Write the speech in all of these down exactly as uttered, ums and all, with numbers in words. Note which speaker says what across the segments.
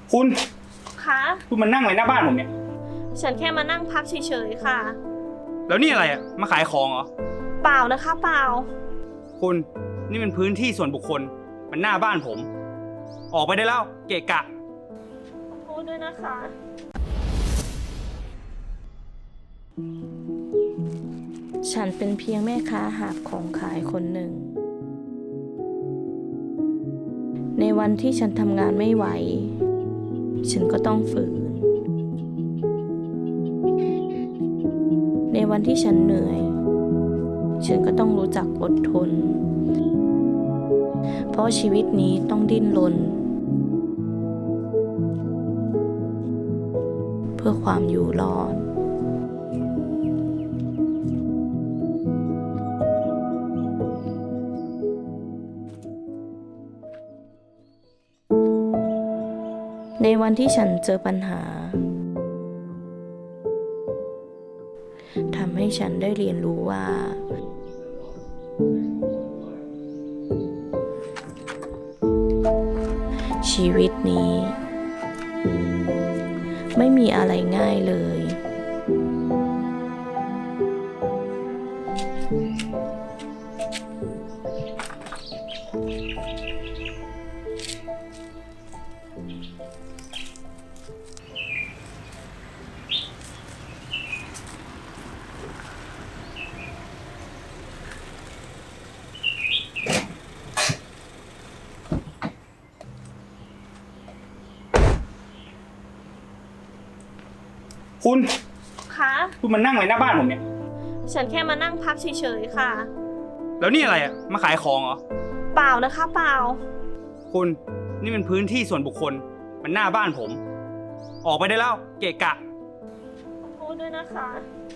Speaker 1: คุณ
Speaker 2: คะ
Speaker 1: คุณมานั่งอะไรหน้าบ้านผมเนี่ย
Speaker 2: ฉันแค่มานั่งพักเฉยๆค่ะ
Speaker 1: แล้วนี่อะไรอ่ะมาขายของเหรอ
Speaker 2: เปล่านะคะเปล่า
Speaker 1: คุณนี่มันพื้นที่ส่วนบุคคลมันหน้าบ้านผมออกไปได้แล้วเกะกะ
Speaker 2: ขอโทษด้วยนะคะ
Speaker 3: ฉันเป็นเพียงแม่ค้าหาบของขายคนหนึ่งในวันที่ฉันทำงานไม่ไหวฉันก็ต้องฝืนในวันที่ฉันเหนื่อยฉันก็ต้องรู้จักอดทนเพราะชีวิตนี้ต้องดิ้นรนเพื่อความอยู่รอดในวันที่ฉันเจอปัญหาทำให้ฉันได้เรียนรู้ว่าชีวิตนี้ไม่มีอะไรง่ายเลย
Speaker 1: คุณ
Speaker 2: คะ
Speaker 1: คุณมานั่งอะไรหน้าบ้านผมเนี่ย
Speaker 2: ฉันแค่มานั่งพักเฉยๆค่ะ
Speaker 1: แล้วนี่อะไรอ่ะมาขายของเหรอ
Speaker 2: เปล่านะคะเปล่า
Speaker 1: คุณนี่มันพื้นที่ส่วนบุคคลมันหน้าบ้านผมออกไปได้แล้วเกะกะ
Speaker 2: ขอโทษด้วยนะคะ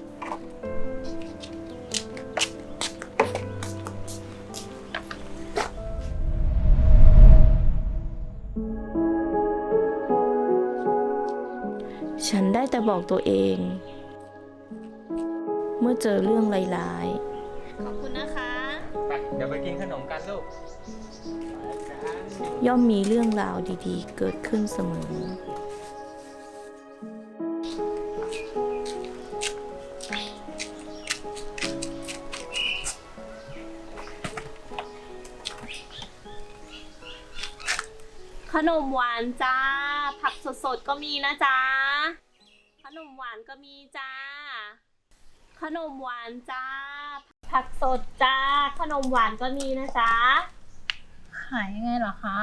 Speaker 3: ฉันได้แต่บอกตัวเองเมื่อเจอเรื่องร้าย
Speaker 2: ขอบคุณนะคะ
Speaker 1: ไปเดี๋ยวไปกินขนมกันลูก
Speaker 3: ๆย่อมมีเรื่องราวดีๆเกิดขึ้นเสมอ
Speaker 2: ขนมหวานจ้าผักสดๆก็มีนะจ๊ะขนมหวานก็มีจ้าขนมหวานจ้าผักสดจ้าขนมหวานก็มีนะจ๊ะ
Speaker 4: ขายยังไงเหรอคะ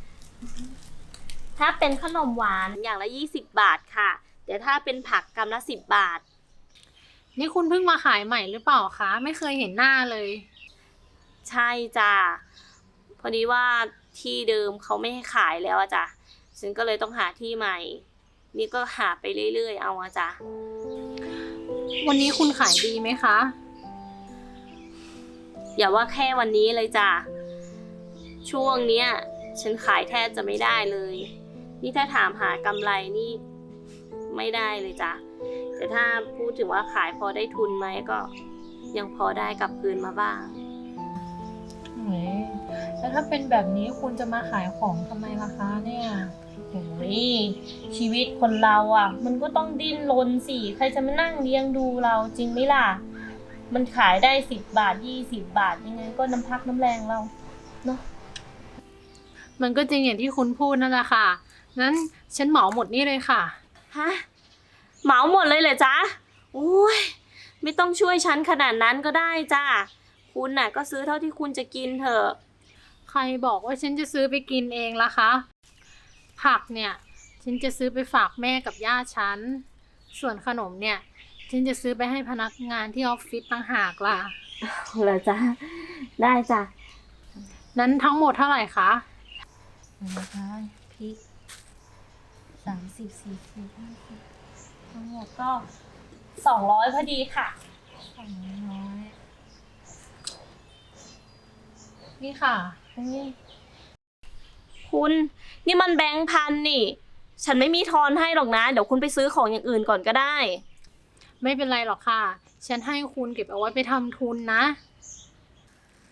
Speaker 2: ถ้าเป็นขนมหวานอย่างละยี่สิบบาทค่ะแต่ถ้าเป็นผักกำละสิบบาท
Speaker 4: นี่คุณเพิ่งมาขายใหม่หรือเปล่าคะไม่เคยเห็นหน้าเลย
Speaker 2: ใช่จ้าพอดีว่าที่เดิมเขาไม่ให้ขายแล้วอะจ้ะฉันก็เลยต้องหาที่ใหม่นี่ก็หาไปเรื่อยๆเอาอะจ้ะ
Speaker 4: วันนี้คุณขายดีไหมคะ
Speaker 2: อย่าว่าแค่วันนี้เลยจ้ะช่วงเนี้ยฉันขายแทบจะไม่ได้เลยนี่ถ้าถามหากำไรนี่ไม่ได้เลยจ้ะแต่ถ้าพูดถึงว่าขายพอได้ทุนไหมก็ยังพอได้กลับคืนมาบ้าง
Speaker 4: แล้วถ้าเป็นแบบนี้คุณจะมาขายของทำไมล่ะคะเนี่ย
Speaker 2: โอ้ยชีวิตคนเราอ่ะมันก็ต้องดิ้นรนสิใครจะมานั่งเลี้ยงดูเราจริงไหมล่ะมันขายได้สิบบาทยี่สิบบาทยังไงก็น้ำพักน้ำแรงเราเนาะ
Speaker 4: มันก็จริงอย่างที่คุณพูดนั่นแหละค่ะงั้นฉันเหมาหมดนี่เลยค่ะ
Speaker 2: ฮะเหมาหมดเลยเหรอจ๊ะโอ้ยไม่ต้องช่วยฉันขนาดนั้นก็ได้จ้ะคุณน่ะก็ซื้อเท่าที่คุณจะกินเถอะ
Speaker 4: ใครบอกว่าฉันจะซื้อไปกินเองล่ะคะผักเนี่ยฉันจะซื้อไปฝากแม่กับย่าฉันส่วนขนมเนี่ยฉันจะซื้อไปให้พนักงานที่ออฟฟิศต่างหากล่ะ
Speaker 2: เหรอจ๊ะได้จ้ะ
Speaker 4: นั้นทั้งหมดเท่าไหร่คะ
Speaker 2: นะคะพริกสามสิบสี่สิบห้าสิบทั้งหมดก็สองร้อยพอดีค่ะสองร้อย
Speaker 4: นี่ค่ะ
Speaker 2: นี่คุณนี่มันแบงค์พันนี่ฉันไม่มีทอนให้หรอกนะเดี๋ยวคุณไปซื้อของอย่างอื่นก่อนก็ได้
Speaker 4: ไม่เป็นไรหรอกค่ะฉันให้คุณเก็บเอาไว้ไปทำทุนนะ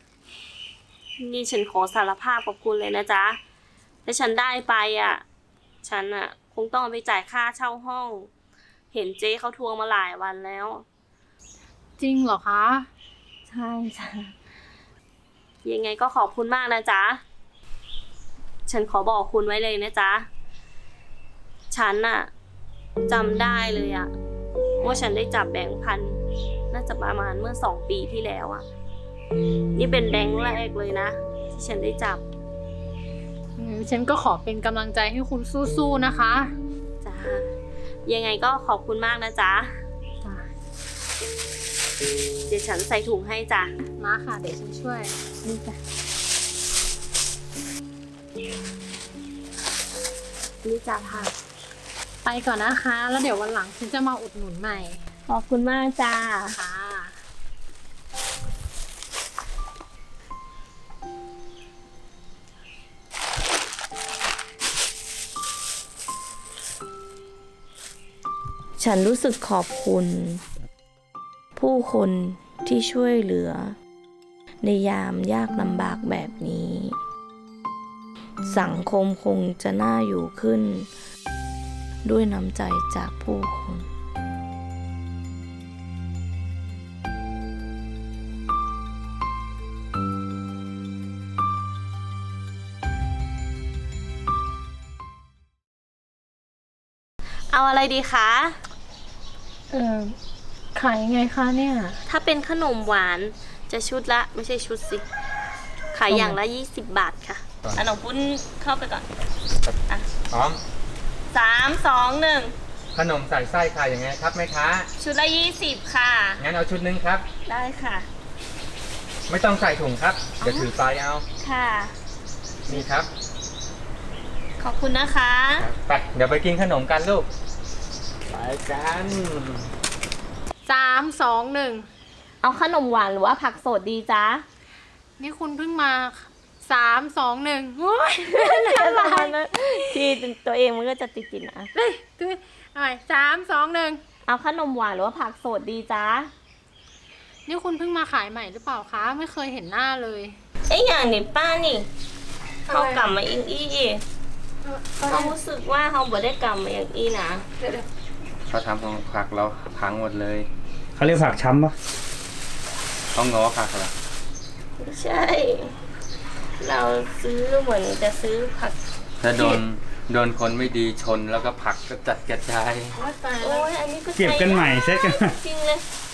Speaker 2: นี่ฉันขอสารภาพกับคุณเลยนะจ๊ะถ้าฉันได้ไปอ่ะฉันอะคงต้องเอาไปจ่ายค่าเช่าห้อง เห็นเจ๊เขาทวงมาหลายวันแล้ว
Speaker 4: จริงเหรอคะ
Speaker 2: ใช่จ้ะยังไงก็ขอบคุณมากนะจ๊ะ ฉันขอบอกคุณไว้เลยนะจ๊ะ ฉันอะจำได้เลยอะว่าฉันได้จับแบงค์พันน่าจะประมาณเมื่อสองปีที่แล้วอะนี่เป็นแบงค์แรกเลยนะ ที่ฉันได้จับ
Speaker 4: อืมฉันก็ขอเป็นกำลังใจให้คุณสู้ๆนะคะ
Speaker 2: จ้ายังไงก็ขอบคุณมากนะจ๊ะ
Speaker 4: จ้ะ
Speaker 2: เดี๋ยวฉันใส่ถุงให้จ้ะ
Speaker 4: มาค่ะ เดี๋ยวฉันช่วย
Speaker 2: นี่จ้ะนี่จ้ะค่ะ
Speaker 4: ไปก่อนนะคะ แล้วเดี๋ยววันหลังฉันจะมาอุดหนุนใหม่
Speaker 2: ขอบคุณมากจ้า
Speaker 4: ค่ะ
Speaker 3: ฉันรู้สึกขอบคุณ ผู้คนที่ช่วยเหลือ ในยามยากลำบากแบบนี้ สังคมคงจะน่าอยู่ขึ้น ด้วยน้ำใจจากผู้คน
Speaker 2: เอาอะไรดีคะ
Speaker 4: เออขายยังไงคะเนี่ย
Speaker 2: ถ้าเป็นขนมหวานจะชุดละไม่ใช่ชุดสิ ขายอย่างละยี่สิบบาทค่ะอันน้องปุ้นเข้าไปก่อน
Speaker 5: พร้อม
Speaker 2: สามสองหนึ่ง
Speaker 5: ขนมใส่ไส้ค่ะอย่างไงครับแม่ค้า
Speaker 2: ชุดละยี่สิบค่ะ
Speaker 5: งั้นเอาชุดหนึงครับ
Speaker 2: ได้ค่ะ
Speaker 5: ไม่ต้องใส่ถุงครับ เดี๋ยวถือไปเอา
Speaker 2: ค่ะ
Speaker 5: นี่ครับ
Speaker 2: ขอบคุณนะคะ
Speaker 5: ไปเดี๋ยวไปกินขนมกันลูก ไปกัน
Speaker 4: สามสองหนึ่ง
Speaker 2: เอาขนมหวานหรือว่าผักสดดีจ๊ะ
Speaker 4: นี่คุณเพิ่งมาสามสองหนึ่งโอ้ย
Speaker 2: ที่ตัวเองมันก็จะติดๆนะ
Speaker 4: เฮ้ยตัวเอาใหม่สามสองหนึ่ง
Speaker 2: เอาขนมหวานหรือว่าผักสดดีจ๊ะ
Speaker 4: นี่คุณเพิ่งมาขายใหม่หรือเปล่าคะ ไม่เคยเห็นหน้าเลย
Speaker 2: ไอ้อย่างนี้ป้านี่เขากลับมาอิงอี้เขารู้สึกว่าเขาบ่ได้กลับมาอย่างอี้นะ
Speaker 5: เขาทำของผักเราพังหมดเลย
Speaker 1: เขาเรียกผักช้ำปะ
Speaker 5: ต้องง้อผักเหรอ
Speaker 2: ไม่ใช่ เราซื้อเหมือนจะซื้อผัก
Speaker 5: ถ้าโดนโดนคนไม่ดีชนแล้วก็ผักก็จัดกระจาย
Speaker 2: โอ้ยอันนี้ก็
Speaker 1: เก็บกันใหม่เซ็ตกันใหม่
Speaker 2: จริงเลย